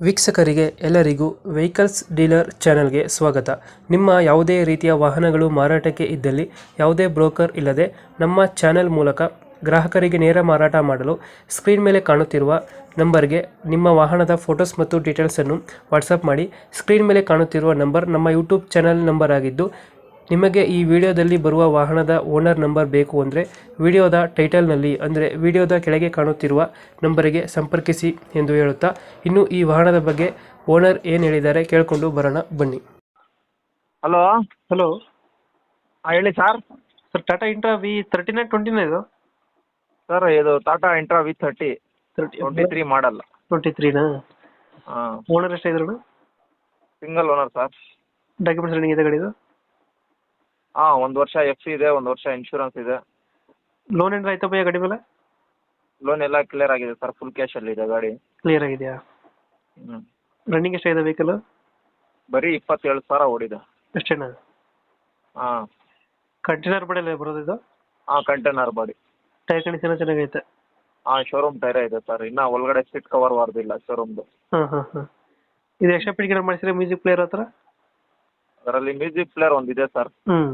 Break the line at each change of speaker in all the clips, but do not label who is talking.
ವೀಕ್ಷಕರಿಗೆ ಎಲ್ಲರಿಗೂ vehicles dealer ಚಾನೆಲ್ಗೆ ಸ್ವಾಗತ. ನಿಮ್ಮ ಯಾವುದೇ ರೀತಿಯ ವಾಹನಗಳು ಮಾರಾಟಕ್ಕೆ ಇದ್ದಲ್ಲಿ ಯಾವುದೇ ಬ್ರೋಕರ್ ಇಲ್ಲದೆ ನಮ್ಮ ಚಾನೆಲ್ ಮೂಲಕ ಗ್ರಾಹಕರಿಗೆ ನೇರ ಮಾರಾಟ ಮಾಡಲು ಸ್ಕ್ರೀನ್ ಮೇಲೆ ಕಾಣುತ್ತಿರುವ ನಂಬರ್ಗೆ ನಿಮ್ಮ ವಾಹನದ ಫೋಟೋಸ್ ಮತ್ತು ಡೀಟೇಲ್ಸನ್ನು ವಾಟ್ಸಪ್ ಮಾಡಿ. ಸ್ಕ್ರೀನ್ ಮೇಲೆ ಕಾಣುತ್ತಿರುವ ನಂಬರ್ ನಮ್ಮ ಯೂಟ್ಯೂಬ್ ಚಾನೆಲ್ ನಂಬರ್ ಆಗಿದ್ದು, ನಿಮಗೆ ಈ ವಿಡಿಯೋದಲ್ಲಿ ಬರುವ ವಾಹನದ ಓನರ್ ನಂಬರ್ ಬೇಕು ಅಂದರೆ ವಿಡಿಯೋದ ಟೈಟಲ್ನಲ್ಲಿ ಅಂದರೆ ವಿಡಿಯೋದ ಕೆಳಗೆ ಕಾಣುತ್ತಿರುವ ನಂಬರಿಗೆ ಸಂಪರ್ಕಿಸಿ ಎಂದು ಹೇಳುತ್ತಾ, ಇನ್ನು ಈ ವಾಹನದ ಬಗ್ಗೆ ಓನರ್ ಏನು ಹೇಳಿದ್ದಾರೆ ಕೇಳಿಕೊಂಡು ಬರೋಣ ಬನ್ನಿ.
ಹಲೋ
ಹಲೋ
ಹೇಳಿ sir.
Sir, Tata intra V39 ಇದು
ಸರ್ ಇದು ಟಾಟಾ ಇಂಟ್ರಾ V30 23 ಮಾಡಲ್.
23ನಾ?
ಹಾಂ,
ಓನರ್ ಎಷ್ಟಾಗಿದ್ರು?
Single owner sir.
Documents running ಇದೆ ಗಾಡಿದು?
ಹಾಂ, 1 ವರ್ಷ FC ಇದೆ, 1 ವರ್ಷ ಇನ್ಶೂರೆನ್ಸ್ ಇದೆ.
ಲೋನ್ ಏನಾರ ಆಯ್ತಾ ಭಯ್ಯ ಗಾಡಿ ಮೇಲೆ?
ಲೋನ್ ಎಲ್ಲ ಕ್ಲಿಯರ್ ಆಗಿದೆ ಸರ್, ಫುಲ್ ಕ್ಯಾಶಲ್ಲಿ ಇದೆ ಗಾಡಿ.
ಕ್ಲಿಯರ್ ಆಗಿದೆಯಾ? ರನ್ನಿಂಗ್ ಎಷ್ಟಾಗಿದೆ ವೆಹಿಕಲ್?
ಬರೀ 27,000 ಓಡಿದೆ
ಅಷ್ಟೇನಾ?
ಹಾಂ.
ಕಂಟೈನರ್ ಬಡಲ್ಲ ಬರೋದು ಇದು?
ಹಾಂ, ಕಂಟೈನರ್ ಬಾಡಿ.
ಟೈರ್ ಕಂಡೀಷನ್ ಚೆನ್ನಾಗೈತೆ?
ಹಾಂ, ಶೋರೂಮ್ ಟೈರೇ ಇದೆ ಸರ್. ಇನ್ನೂ ಒಳಗಡೆ ಸೀಟ್ ಕವರ್ ವಾರ್ದಿಲ್ಲ ಶೋರೂಮ್ದು.
ಹಾಂ ಹಾಂ ಹಾಂ. ಇದು ಎಕ್ಸ್ಟ್ರಾ ಪಿಟಿಗೆ ಮಾಡಿಸಿದ್ರೆ ಮ್ಯೂಸಿಕ್ ಪ್ಲೇಯರ್ ಹತ್ರ?
ಅದರಲ್ಲಿ ಮ್ಯೂಸಿಕ್ ಪ್ಲೇಯರ್ ಒಂದಿದೆ ಸರ್.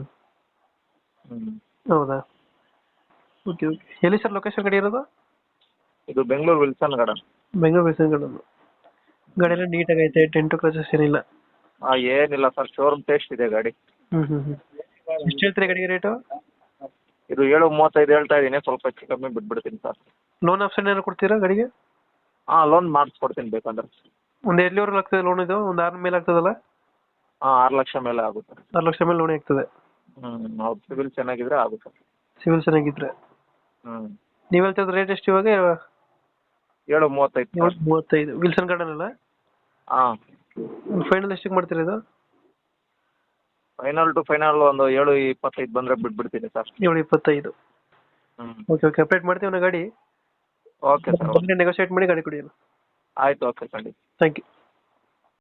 ಹೌದಾ? Okay okay. ಎಲ್ಲಿ ಸರ್ ಲೊಕೇಶನ್ ಗಾಡಿ ಇರೋದು?
ಇದು ಬೆಂಗಳೂರು ವಿಲ್ಸನ್ ಗಾರ್ಡನ್.
ಬೆಂಗಳೂರು ಬೇಸನ್ ಗಾಡಿ ಎಲ್ಲ ನೀಟಾಗಿ ಐತೆ, ಟೆಂಟು ಕ್ರಚಸ್ ಏನಿಲ್ಲ?
ಹಾಂ, ಏನಿಲ್ಲ ಸರ್, ಶೋರೂಮ್ ಟೇಸ್ಟ್ ಇದೆ ಗಾಡಿ.
ಎಷ್ಟು ಹೇಳ್ತೀರಿ ಗಾಡಿಗೆ ರೇಟು?
ಇದು 7.35 ಹೇಳ್ತಾ ಇದ್ದೀನಿ, ಸ್ವಲ್ಪ ಹೆಚ್ಚು ಕಮ್ಮಿ ಬಿಟ್ಬಿಡ್ತೀನಿ ಸರ್.
ಲೋನ್ ಆಪ್ಷನ್ ಏನಾರು ಕೊಡ್ತೀರಾ ಗಾಡಿಗೆ?
ಹಾಂ, ಲೋನ್ ಮಾಡಿಸ್ಕೊಡ್ತೀನಿ ಬೇಕಂದ್ರೆ.
ಒಂದು ಎಲ್ಲಿವರೆಗೂ ಆಗ್ತದೆ ಲೋನ್ ಇದು? ಒಂದು 6 ಮೇಲೆ ಆಗ್ತದಲ್ಲ?
ಹಾಂ, 6 ಲಕ್ಷ ಮೇಲೆ ಆಗುತ್ತೆ.
6 ಲಕ್ಷ ಮೇಲೆ ಲೋನ್ ಆಗ್ತದೆ?
ಹೌದು, ಸಿವಿಲ್ ಚೆನ್ನಾಗಿದ್ರೆ ಆಗುತ್ತೆ.
ಸಿವಿಲ್ ಚೆನ್ನಾಗಿದ್ರೆ? ನೀವು ಹೇಳ್ತಿರೋದು ರೇಟ್ ಎಷ್ಟು ಇವಾಗ?
7.35.
7.35 ವಿಲ್ಸನ್ ಗಾರ್ಡನ್ ಅಲ್ಲ?
ಹಾಂ.
ಫೈನಲ್ ಎಷ್ಟಕ್ಕೆ ಮಾಡ್ತೀರಾ ಇದು?
ಫೈನಲ್ ಟು ಫೈನಲ್ ಒಂದು 7.25 ಬಂದರೆ ಬಿಟ್ಬಿಡ್ತೀನಿ ಸರ್.
7.25. ಓಕೆ ಓಕೆ, ಅಪ್ಡೇಟ್ ಮಾಡ್ತೀವಿ ನಾ ಗಾಡಿ.
Okay sir.
ನೆಗೋಷಿಯೇಟ್ ಮಾಡಿ ಗಾಡಿ ಕೊಡಿ.
ಆಯಿತು, ಓಕೆ ಖಂಡಿತ.
Thank you.